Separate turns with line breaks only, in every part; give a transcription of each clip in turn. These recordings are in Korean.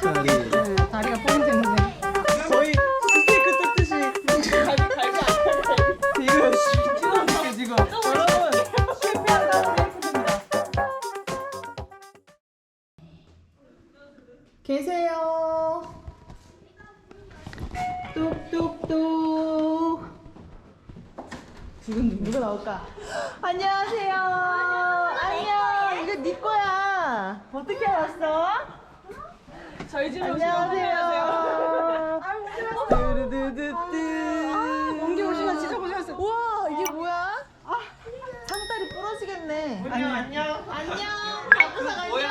다리.
다리가 포인트인데.
거의 스테이크 뜯듯이 갈비 안 지금 여러분 실패한 스테이크입니다. 계세요. 뚝뚝뚝. 지금 누가 나올까? 안녕하세요. 안녕. 이거 네 거야. 어떻게 알았어?
저희 집에
안녕하세요. 뚜루두두뚜.
옮겨 오시면 진짜 고생하셨어요.
우와, 이게 뭐야? 상다리 부러지겠네. 안녕. 안녕. 박구상 안녕.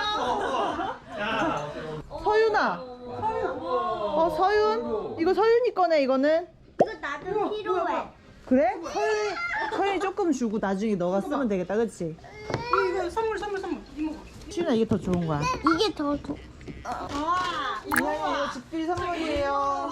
서윤아. 서윤? 이거 서윤이 거네, 이거는.
이거 나도 필요해.
그래? 서윤이 조금 주고 나중에 너가 쓰면 되겠다, 그치?
이거 선물. 이모.
시윤아, 이게 더 좋은 거야.
이게 더 좋아.
이거 집들이 선물이에요.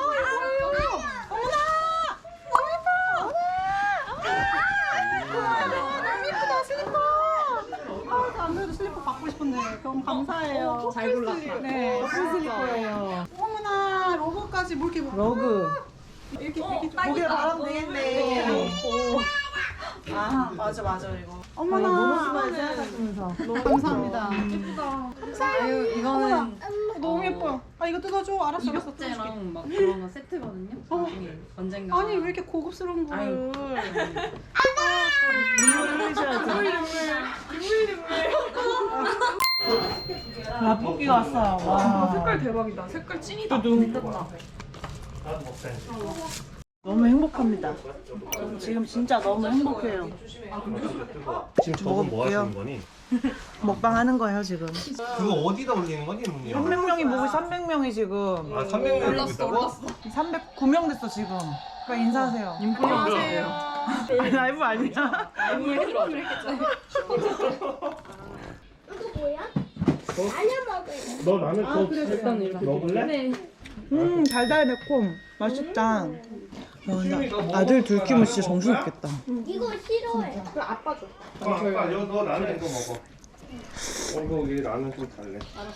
안 그래도 슬리퍼 받고 싶은데 너무 감사해요.
잘 골랐다.
네.
무슨 슬리퍼예요?
어머나 로고까지 뭐 이렇게
러그.
이렇게
고개 바람 되겠네. 아, 맞아, 이거.
어머나.
모노스마일 생각하시면서.
너무 감사합니다. 예쁘다. 감사해요. 이거는 너무 예뻐요. 아 이거 뜯어줘. 알았어.
이벽제랑 막 그런 거 세트거든요. 나중에 언젠가.
아니 왜 이렇게 고급스러운 거를?
눈물 흘리셔야죠. 라볶이가 왔어요. 와.
색깔 대박이다. 색깔 찐이다.
너무 행복합니다. 지금 진짜 너무 행복해요.
지금 저건 뭐 하시는 거니?
먹방 하는 거예요, 지금.
그거 어디다 올리는 거니, 문이야?
300명이 보고 300명이 지금.
아, 300명 올렸다고?
309명 됐어, 지금. 그러니까 인사하세요.
안녕하세요.
라이브 아니야?
이거 뭐야? 라면 먹을래.
너 라면 더 먹을래?
달달 매콤. 맛있다. 근데 아들 둘 키우면 진짜 정신 없겠다.
이거 싫어해.
아빠, 너 라면 이거 먹어. 이거 우리 라면 좀 달래.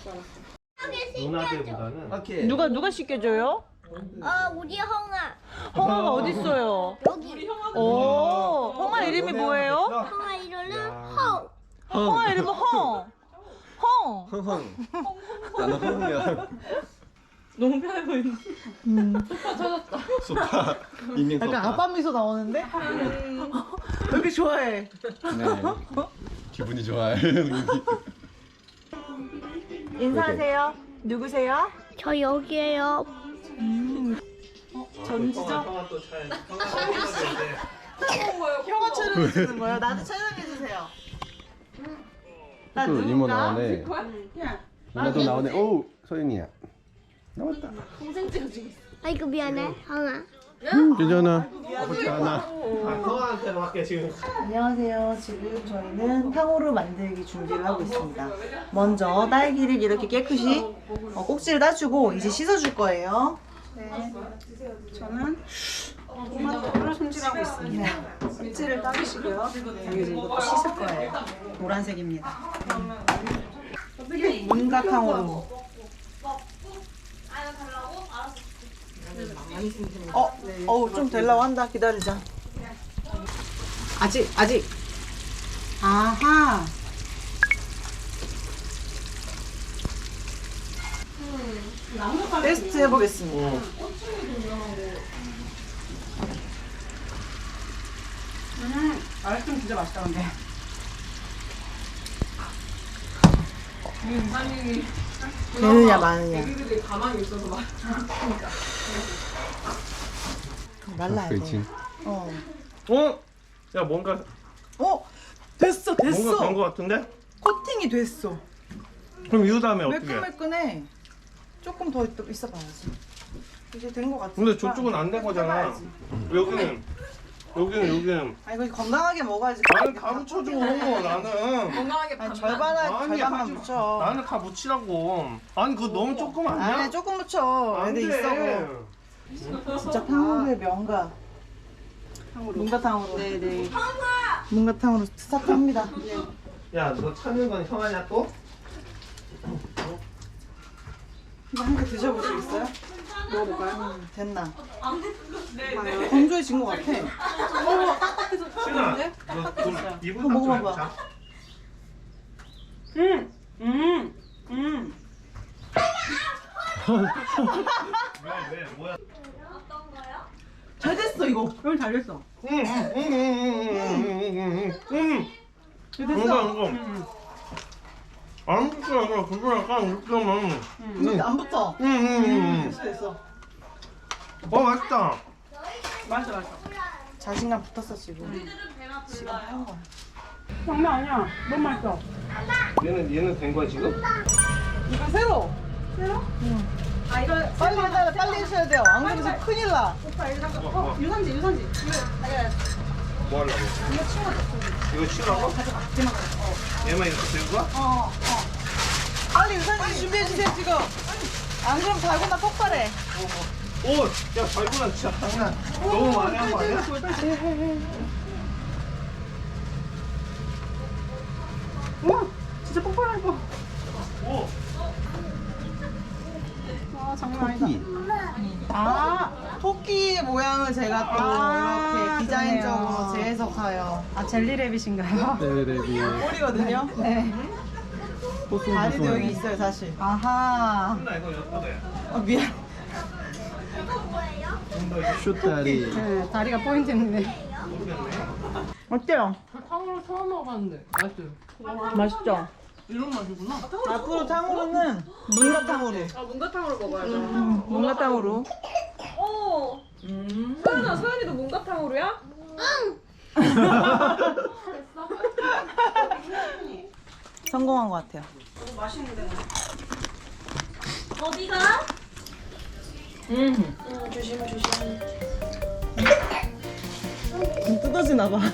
누나들보다는.
누가 씻겨줘요?
우리 형아.
홍아가 어딨어요?
여기.
오, 홍아 이름이 뭐예요?
형아 이름은 헝.
홍아 이름은 헝. 헝.
흥흥. 나는 흥흥이야.
너무 편해 보이네.
소파. 인명 소파.
약간 아빠 미소 나오는데? 왜 이렇게 좋아해?
네. 기분이 좋아요.
인사하세요. 누구세요?
저 여기에요.
전지죠? 형아 촬영해 주는 거예요? 나도 촬영해 주세요. 나
또 이모
누군가?
나오네. 누나도 나오네. 오, 서윤이야. 나왔다.
아이고 미안해, 형아.
괜찮아. 괜찮아. 서한테 할게 지금.
안녕하세요. 지금 저희는 탕후루 만들기 준비를 하고 있습니다. 먼저 딸기를 이렇게 깨끗이 꼭지를 따주고 이제 씻어줄 거예요.
네. 저는 토마토를 손질하고 있습니다. 꼭지를 따주시고요. 여기 이것도 씻을 거예요. 노란색입니다.
문가 탕후루. 좀 되려고 한다. 기다리자. 아직.
아하.
테스트 해보겠습니다.
아이스크림 진짜 맛있다 근데.
되느냐 마느냐.
애기들이 가만히 있어서 막.
날라야 돼.
그렇지.
어.
야 뭔가
됐어.
뭔가 된 거 같은데?
코팅이 됐어.
그럼 이 다음에 어떻게?
매끈매끈해. 조금 더 있어봐야지. 이제 된 거 같아.
근데 저쪽은 안 된 거잖아. 여기는.
아 이거 건강하게 먹어야지.
나는 다 묻혀줘. 나는.
건강하게
아니,
아니,
절반만
하지
묻혀.
나는 다 묻히라고. 아니 그거 너무 조금 아니야?
아니 조금 묻혀.
안
애들
돼.
있어. 진짜 탕후루의 명가. 문가탕으로. 네네. 문가탕으로 스타트합니다.
야, 너 찾는 건 형아냐 또?
이거 한 개 드셔보시겠어요? 먹어볼까요? 됐나? 건조해진 것 같아.
신아, 너돈 이불
이거 먹어봐봐.
자.
음.
왜 뭐야?
잘 됐어 이거. 이건 잘 됐어. 잘 됐어.
이거. 안 붙어 이거 그거랑 약간 붙으면.
근데 안 붙어. 됐어 됐어.
맛있다.
맛있어.
자신감 붙었어 지금. 지금 한 거야.
장난 아니야. 너무 맛있어.
얘는 된 거야 지금?
이거 새로.
아 이거
빨리 해셔야 돼요. 안 그러면 지금 큰일 나.
오빠 이거 잠깐.
어,
유산지. 이거
뭐 하려고? 이거 치우라고? 얘만 이렇게 들고 가?
빨리 유산지 준비해 주세요 지금. 안 그러면 달고나 폭발해.
오! 야 달고나 진짜 장난 너무 많이 한 거 아니야?
우와 진짜 폭발할 뻔.
오!
아 장난 아니다.
아 토끼 모양을 제가 또 이렇게 디자인적으로 재해석하여.
아 젤리랩이신가요?
꼬리거든요. 네. 다리도 여기 있어요 사실. 아하.
나 이거 엿보대
미안.
슛다리
네 다리가 포인트인데.
어때요?
탕후루 처음 먹어봤는데 맛있어요.
맛있죠?
이런 맛이구나.
앞으로 탕후루는 문가탕후루.
아 문가탕으로 먹어야죠.
문가탕후루.
소연이도 문가탕으로야?
성공한 것 같아요.
어디가?
뜯어지나 봐.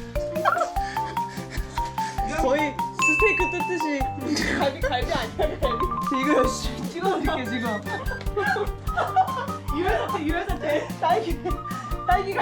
거의 스테이크 뜯듯이. 갈비 아니야 갈비. 이거 열심히 찍어줄게 지금. 유해사태. 딸기가.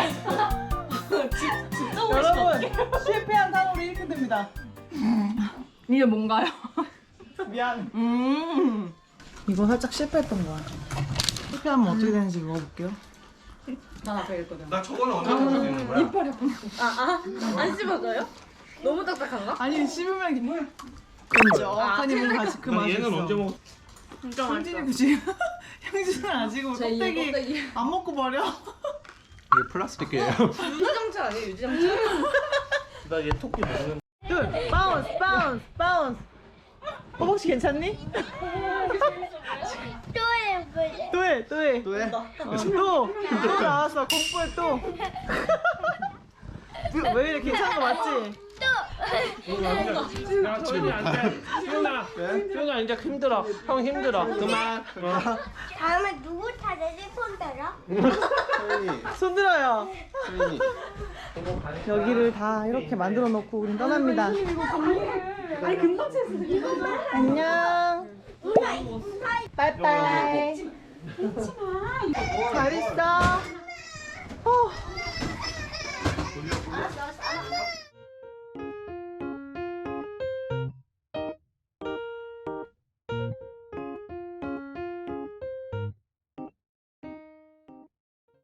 진짜 여러분 실패한 탕후루 이렇게 됩니다.
이게 뭔가요?
미안. 이거 살짝 실패했던 거야. 실패하면 어떻게 되는지 먹어볼게요.
난 앞에 있거든.
나 저거는 언제 먹을 수 있는 거야?
안 씹어져요? 너무 딱딱한가?
아니 씹으면 뭐 끈적하니 뭔가 그
나
맛이
얘는
있어.
언제 먹을
진짜
형진이 굳이 형진은 아직
제
껍데기 안 먹고 버려.
이게 플라스틱이에요
유지정차 아니에요? 유지정차?
나 얘 토끼 먹는
둘, 바운스. 허벅지 괜찮니?
또 해보자.
또 해.
또 해?
또 나왔어. 공포에 또. 왜 이래 괜찮은 거 맞지?
야 지금 수연아 이제 힘들어 형 힘들어 그만
다음에 누구 차례지 손 들어?
손 들어요. 여기를 다 이렇게 만들어 놓고 우린 떠납니다.
아니 금방 챘어.
안녕. 빠이빠이. 잘 있어.